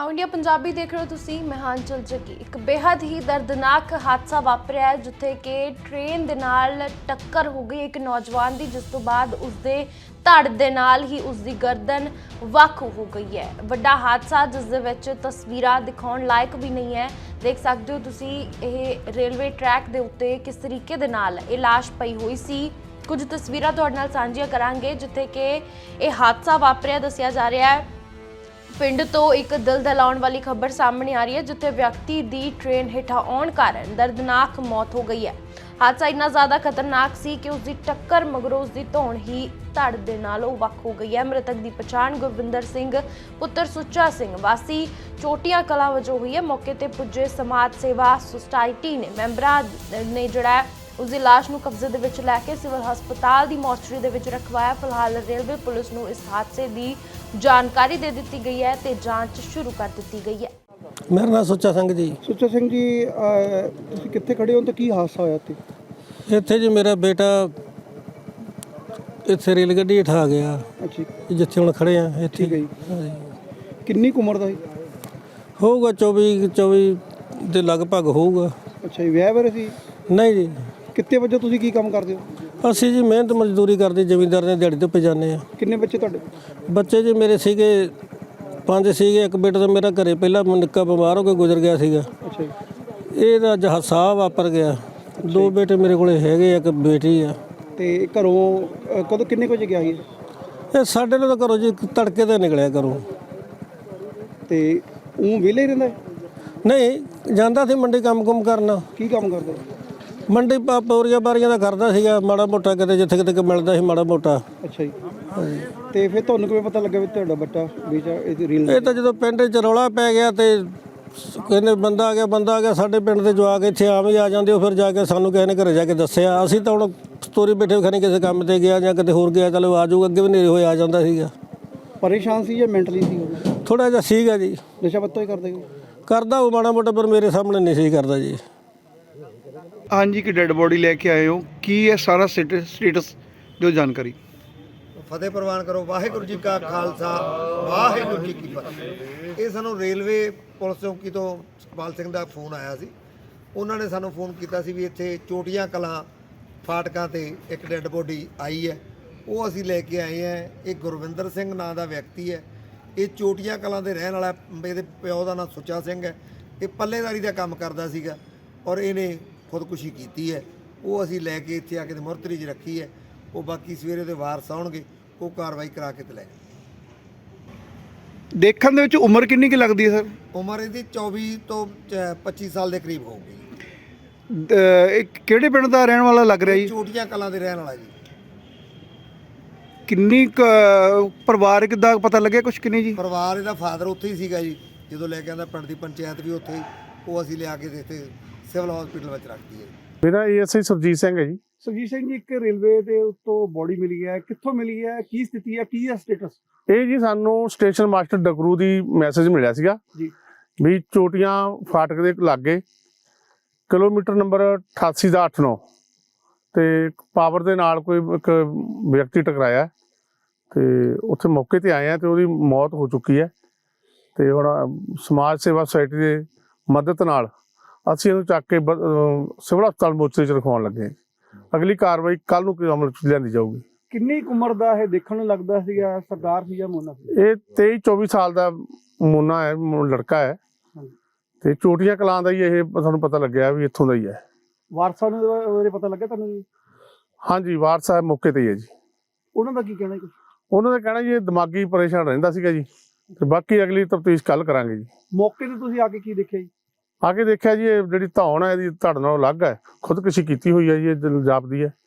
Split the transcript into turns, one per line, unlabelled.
ਨਾਓ India Punjabi ਦੇਖ ਰਹੇ ਹੋ ਤੁਸੀਂ। ਮੈਂ ਹਾਂ ਅੰਚਲ ਜੱਗੀ। ਇੱਕ ਬੇहद ਹੀ ਦਰਦਨਾਕ ਹਾਦਸਾ ਵਾਪਰਿਆ ਹੈ ਜਿੱਥੇ ਕਿ ਟ੍ਰੇਨ ਦੇ ਨਾਲ ਟੱਕਰ ਹੋ ਗਈ ਇੱਕ ਨੌਜਵਾਨ ਦੀ, ਜਿਸ ਤੋਂ ਬਾਅਦ ਉਸਦੇ ਧੜ ਦੇ ਨਾਲ ਹੀ ਉਸਦੀ ਗਰਦਨ ਵੱਖ ਹੋ ਗਈ ਹੈ। ਵੱਡਾ ਹਾਦਸਾ ਜਿਸ ਦੇ ਵਿੱਚ ਤਸਵੀਰਾਂ ਦਿਖਾਉਣ ਲਾਇਕ ਵੀ ਨਹੀਂ ਹੈ। ਦੇਖ ਸਕਦੇ ਹੋ ਤੁਸੀਂ ਇਹ ਰੇਲਵੇ ਟਰੈਕ ਦੇ ਉੱਤੇ ਕਿਸ ਤਰੀਕੇ ਦੇ ਨਾਲ ਇਹ ਲਾਸ਼ ਪਈ ਹੋਈ ਸੀ। ਕੁਝ ਤਸਵੀਰਾਂ ਤੁਹਾਡੇ ਨਾਲ ਸਾਂਝੀਆਂ ਕਰਾਂਗੇ ਜਿੱਥੇ ਕਿ ਇਹ ਹਾਦਸਾ ਵਾਪਰਿਆ ਦੱਸਿਆ ਜਾ ਰਿਹਾ ਹੈ। ਪਿੰਡ ਤੋਂ ਇੱਕ ਦਿਲ ਦਹਿਲਾਉਣ ਵਾਲੀ ਖਬਰ ਸਾਹਮਣੇ ਆ ਰਹੀ ਹੈ ਜਿੱਥੇ ਵਿਅਕਤੀ ਦੀ ਟ੍ਰੇਨ ਹੇਠਾਂ ਆਉਣ ਕਾਰਨ ਦਰਦਨਾਕ ਮੌਤ ਹੋ ਗਈ ਹੈ। ਹਾਦਸਾ ਇੰਨਾ ਜ਼ਿਆਦਾ ਖਤਰਨਾਕ ਸੀ ਕਿ ਉਸਦੀ ਟੱਕਰ ਮਗਰੋਂ ਉਸਦੀ ਧੌਣ ਹੀ ਧੜ ਦੇ ਨਾਲੋਂ ਵੱਖ ਹੋ ਗਈ ਹੈ। ਮ੍ਰਿਤਕ ਦੀ ਪਛਾਣ ਗੁਰਵਿੰਦਰ ਸਿੰਘ ਪੁੱਤਰ ਸੁੱਚਾ ਸਿੰਘ ਵਾਸੀ ਚੋਟੀਆਂ ਕਲਾਂ ਵਜੋਂ ਹੋਈ ਹੈ। ਮੌਕੇ ਤੇ ਪੁੱਜੇ ਸਮਾਜ ਸੇਵਾ ਸੁਸਾਇਟੀ ਨੇ ਮੈਂਬਰਾਂ ਨੇ ਜਿਹੜਾ उसकी लाश ਨੂੰ कब्जे ਦੇ ਵਿੱਚ ਲੈ ਕੇ सिविल हस्पताल की मॉर्चरी ਦੇ ਵਿੱਚ रखवाया। फिलहाल रेलवे पुलिस ਨੂੰ इस हादसे की जानकारी दे दी गई है ਤੇ ਜਾਂਚ शुरू कर दी गई है।
मेरा नाम सुच्चा सिंह जी।
ਸੁੱਚਾ ਸਿੰਘ ਜੀ, ਤੁਸੀਂ ਕਿੱਥੇ ਖੜੇ ਹੋ ਤੇ ਕੀ ਹਾਦਸਾ ਹੋਇਆ ਇੱਥੇ?
ਇੱਥੇ ਜੀ ਮੇਰਾ ਬੇਟਾ ਇੱਥੇ ਰੇਲ ਗੱਡੀ ਹੇਠ ਆ ਗਿਆ।
ਅੱਛਾ,
ਜਿੱਥੇ ਹੁਣ ਖੜੇ ਆ ਇੱਥੇ।
ਠੀਕ ਹੈ ਜੀ। ਕਿੰਨੀ ਕੁ ਉਮਰ ਦਾ ਸੀ?
ਹੋਊਗਾ 24 ਦੇ ਲਗਭਗ ਹੋਊਗਾ।
ਅੱਛਾ ਜੀ, ਵਿਆਹ ਬਾਰੇ ਸੀ?
ਨਹੀਂ ਜੀ,
ਕਿੱਤੇ ਵਜੋਂ ਤੁਸੀਂ ਕੀ ਕੰਮ ਕਰਦੇ ਹੋ?
ਅਸੀਂ ਜੀ ਮਿਹਨਤ ਮਜ਼ਦੂਰੀ ਕਰਦੇ, ਜ਼ਮੀਂਦਾਰ ਨੇ ਦਿਹਾੜੀ ਤੇ ਜਾਂਦੇ ਆ।
ਕਿੰਨੇ ਬੱਚੇ ਤੁਹਾਡੇ?
ਬੱਚੇ ਜੀ ਮੇਰੇ ਸੀਗੇ 5 ਸੀਗੇ। ਇੱਕ ਬੇਟਾ ਤਾਂ ਮੇਰਾ ਘਰੇ ਪਹਿਲਾਂ ਨਿੱਕਾ ਬਿਮਾਰ ਹੋ ਕੇ ਗੁਜ਼ਰ ਗਿਆ ਸੀਗਾ।
ਅੱਛਾ ਜੀ।
ਇਹ ਤਾਂ ਅੱਜ ਹਾਦਸਾ ਵਾਪਰ ਗਿਆ। 2 ਬੇਟੇ ਮੇਰੇ ਕੋਲੇ ਹੈਗੇ, ਇੱਕ ਬੇਟੀ ਆ।
ਤੇ ਘਰੋਂ ਕਦੋਂ ਕਿੰਨੇ ਕੁ ਵਜੇ ਗਿਆ ਸੀ?
ਇਹ ਸਾਡੇ ਨਾਲ ਤਾਂ ਘਰੋਂ ਜੀ ਤੜਕੇ ਤੇ ਨਿਕਲਿਆ ਘਰੋਂ।
ਤੇ ਉਹ ਵਿਹਲੇ ਹੀ ਰਹਿੰਦਾ ਹੈ?
ਨਹੀਂ, ਜਾਂਦਾ ਸੀ ਮੰਡੀ ਕੰਮ ਕਰਨਾ।
ਕੀ ਕੰਮ ਕਰਦਾ?
ਮੰਡੀ ਪੌਰੀਆਂ ਬਾਰੀਆਂ ਦਾ ਕਰਦਾ ਸੀਗਾ, ਮਾੜਾ ਮੋਟਾ ਕਿਤੇ ਜਿੱਥੇ ਕਿਤੇ ਮਿਲਦਾ ਸੀ ਮਾੜਾ ਮੋਟਾ।
ਅੱਛਾ ਜੀ। ਤੇ ਫਿਰ ਤੁਹਾਨੂੰ ਕਿਵੇਂ ਪਤਾ ਲੱਗਾ ਵੀ ਤੁਹਾਡਾ ਬੱਚਾ ਵਿੱਚ ਇਹ ਰੀਲ?
ਇਹ ਤਾਂ ਜਦੋਂ ਪਿੰਡ 'ਚ ਰੌਲਾ ਪੈ ਗਿਆ ਤੇ ਕਹਿੰਦੇ ਬੰਦਾ ਆ ਗਿਆ। ਸਾਡੇ ਪਿੰਡ ਦੇ ਜਵਾਕ ਇੱਥੇ ਆਮ ਹੀ ਆ ਜਾਂਦੇ। ਉਹ ਫਿਰ ਜਾ ਕੇ ਸਾਨੂੰ ਕਿਸੇ ਨੇ ਘਰੇ ਜਾ ਕੇ ਦੱਸਿਆ। ਅਸੀਂ ਤਾਂ ਹੁਣ ਸਟੋਰੀ ਬੈਠੇ ਖਣੀ ਕਿਸੇ ਕੰਮ ਤੇ ਗਿਆ ਜਾਂ ਕਿਤੇ ਹੋਰ ਗਿਆ, ਚਲੋ ਆ ਜਾਊਗਾ। ਅੱਗੇ ਵੀ ਨੇਰੇ ਹੋਏ ਆ ਜਾਂਦਾ ਸੀਗਾ।
ਪਰੇਸ਼ਾਨ ਸੀ ਜਾਂ ਮੈਂਟਲੀ ਸੀ?
ਥੋੜਾ ਜਿਹਾ ਸੀਗਾ ਜੀ।
ਨਸ਼ਾ ਪੱਤਾ ਹੀ ਕਰਦੇ ਹੋ?
ਕਰਦਾ ਉਹ ਮਾੜਾ ਮੋਟਾ, ਪਰ ਮੇਰੇ ਸਾਹਮਣੇ ਨਹੀਂ ਸੀ ਕਰਦਾ ਜੀ।
ਹਾਂਜੀ, ਕਿ ਡੈੱਡ ਬੋਡੀ ਲੈ ਕੇ ਆਏ ਹੋ, ਕੀ ਹੈ ਸਾਰਾ ਸਟੇਟਸ ਦਿਓ ਜਾਣਕਾਰੀ।
ਫਤਿਹ ਪ੍ਰਵਾਨ ਕਰੋ। ਵਾਹਿਗੁਰੂ ਜੀ ਕਾ ਖਾਲਸਾ, ਵਾਹਿਗੁਰੂ ਜੀ ਕੀ ਫਤਿਹ। ਇਹ ਸਾਨੂੰ ਰੇਲਵੇ ਪੁਲਿਸ ਚੌਕੀ ਤੋਂ ਸੁਖਪਾਲ ਸਿੰਘ ਦਾ ਫੋਨ ਆਇਆ ਸੀ। ਉਹਨਾਂ ਨੇ ਸਾਨੂੰ ਫੋਨ ਕੀਤਾ ਸੀ ਵੀ ਇੱਥੇ ਚੋਟੀਆਂ ਕਲਾਂ ਫਾਟਕਾਂ ਤੇ ਇੱਕ ਡੈੱਡ ਬੋਡੀ ਆਈ ਹੈ। ਉਹ ਅਸੀਂ ਲੈ ਕੇ ਆਏ ਹਾਂ। ਇਹ ਗੁਰਵਿੰਦਰ ਸਿੰਘ ਨਾਂ ਦਾ ਵਿਅਕਤੀ ਹੈ। ਇਹ ਚੋਟੀਆਂ ਕਲਾਂ ਦੇ ਰਹਿਣ ਵਾਲਾ। ਇਹਦੇ ਪਿਓ ਦਾ ਨਾਂ ਸੁੱਚਾ ਸਿੰਘ ਹੈ। ਇਹ ਪੱਲੇਦਾਰੀ ਦਾ ਕੰਮ ਕਰਦਾ ਸੀਗਾ ਔਰ ਇਹਨੇ ਖੁਦਕੁਸ਼ੀ ਕੀਤੀ ਹੈ। ਉਹ ਅਸੀਂ ਲੈ ਕੇ ਇੱਥੇ ਆ ਕੇ ਮੁਰਤਰੀ 'ਚ ਰੱਖੀ ਹੈ। ਉਹ ਬਾਕੀ ਸਵੇਰੇ ਦੇ ਵਾਰਸ ਆਉਣਗੇ, ਉਹ ਕਾਰਵਾਈ ਕਰਾ ਕੇ ਤੇ ਲੈ ਜਾਣਗੇ।
ਦੇਖਣ ਦੇ ਵਿੱਚ ਉਮਰ ਕਿੰਨੀ ਕੁ ਲੱਗਦੀ ਹੈ ਸਰ?
ਉਮਰ ਇਹਦੀ 24 ਤੋਂ 25 ਸਾਲ ਦੇ ਕਰੀਬ ਹੋਊਗੀ।
ਇਹ ਕਿਹੜੇ ਪਿੰਡ ਦਾ ਰਹਿਣ ਵਾਲਾ ਲੱਗ ਰਿਹਾ ਜੀ?
ਚੋਟੀਆਂ ਕਲਾਂ ਦੇ ਰਹਿਣ ਵਾਲਾ ਜੀ।
ਕਿੰਨੀ ਪਰਿਵਾਰਕ ਦਾ ਪਤਾ ਲੱਗਿਆ ਕੁਛ? ਕਿੰਨੀ ਜੀ?
ਪਰਿਵਾਰ ਇਹਦਾ ਫਾਦਰ ਉੱਥੇ ਹੀ ਸੀਗਾ ਜੀ ਜਦੋਂ ਲੈ ਕੇ ਆਂਦਾ। ਪਿੰਡ ਦੀ ਪੰਚਾਇਤ ਵੀ ਉੱਥੇ ਹੀ। ਉਹ ਅਸੀਂ ਲਿਆ ਕੇ ਇੱਥੇ ਸਿਵਲ ਹਸਪੀਟਲ ਵਿੱਚ ਰੱਖਦੀ ਹੈ।
ਮੇਰਾ ਏਐਸਆਈ ਸੁਰਜੀਤ ਸਿੰਘ ਹੈ ਜੀ।
ਸੁਰਜੀਤ ਸਿੰਘ ਜੀ, ਇੱਕ ਰੇਲਵੇ ਦੇ ਉੱਤੋਂ ਬੋਡੀ ਮਿਲੀ ਹੈ, ਕਿੱਥੋਂ ਮਿਲੀ ਹੈ, ਕੀ ਸਥਿਤੀ ਹੈ, ਕੀ ਹੈ ਸਟੇਟਸ?
ਇਹ ਜੀ ਸਾਨੂੰ ਸਟੇਸ਼ਨ ਮਾਸਟਰ ਡਕਰੂ ਦੀ ਮੈਸੇਜ ਮਿਲਿਆ ਸੀਗਾ
ਜੀ
ਵੀ ਚੋਟੀਆਂ ਫਾਟਕ ਦੇ ਲਾਗੇ ਕਿਲੋਮੀਟਰ ਨੰਬਰ 88 ਦਾ 89 ਤੇ ਪਾਵਰ ਦੇ ਨਾਲ ਕੋਈ ਇੱਕ ਵਿਅਕਤੀ ਟਕਰਾਇਆ ਤੇ ਉੱਥੇ ਮੌਕੇ ਤੇ ਆਏ ਆ ਤੇ ਉਹਦੀ ਮੌਤ ਹੋ ਚੁੱਕੀ ਹੈ। ਤੇ ਹੁਣ ਸਮਾਜ ਸੇਵਾ ਸੁਸਾਇਟੀ ਦੇ ਮਦਦ ਨਾਲ ਅਸੀਂ ਇਹਨੂੰ ਚੱਕ ਕੇ ਸਿਵਲ ਹਸਪਤਾਲ ਮੋਰਚੇ 'ਚ ਰਖਵਾਉਣ ਲੱਗੇ। ਅਗਲੀ ਕਾਰਵਾਈ ਕੱਲ ਨੂੰ ਅਮਲ 'ਚ ਲਿਆਂਦੀ ਜਾਊਗੀ।
ਕਿੰਨੀ ਕੁ ਉਮਰ ਦਾ ਇਹ ਦੇਖਣ ਨੂੰ ਲੱਗਦਾ ਸੀਗਾ? ਸਰਦਾਰ ਸੀ ਜਾਂ ਮੋਨਾ ਸੀ?
ਇਹ 23-24 ਸਾਲ ਦਾ ਮੋਨਾ ਹੈ, ਲੜਕਾ ਹੈ ਤੇ ਚੋਟੀਆਂ ਕਲਾਂ ਦਾ ਹੀ ਇਹ ਸਾਨੂੰ ਪਤਾ ਲੱਗਿਆ ਵੀ ਇੱਥੋਂ ਦਾ ਹੀ ਹੈ।
ਵਾਰਸਾਂ ਨੂੰ ਉਹਦੇ ਪਤਾ ਲੱਗਿਆ ਤੁਹਾਨੂੰ ਜੀ?
ਹਾਂਜੀ, ਵਾਰਸ ਸਾਹਿਬ ਮੌਕੇ ਤੇ ਹੀ ਹੈ ਜੀ।
ਉਹਨਾਂ ਦਾ ਕੀ ਕਹਿਣਾ ਜੀ?
ਉਹਨਾਂ ਦਾ ਕਹਿਣਾ ਜੀ ਇਹ ਦਿਮਾਗੀ ਪਰੇਸ਼ਾਨ ਰਹਿੰਦਾ ਸੀਗਾ ਜੀ ਤੇ ਬਾਕੀ ਅਗਲੀ ਤਫਤੀਸ਼ ਕੱਲ ਕਰਾਂਗੇ ਜੀ।
ਮੌਕੇ ਤੇ ਤੁਸੀਂ ਆ ਕੇ ਕੀ ਦੇਖਿਆ ਜੀ?
ਆ ਕੇ ਦੇਖਿਆ ਜੀ ਇਹ ਜਿਹੜੀ ਧੌਣ ਹੈ ਇਹਦੀ ਧੜ ਨਾਲੋਂ ਅਲੱਗ ਹੈ। ਖੁਦਕੁਸ਼ੀ ਕੀਤੀ ਹੋਈ ਹੈ ਜੀ, ਇਹ ਜਾਪਦੀ ਹੈ।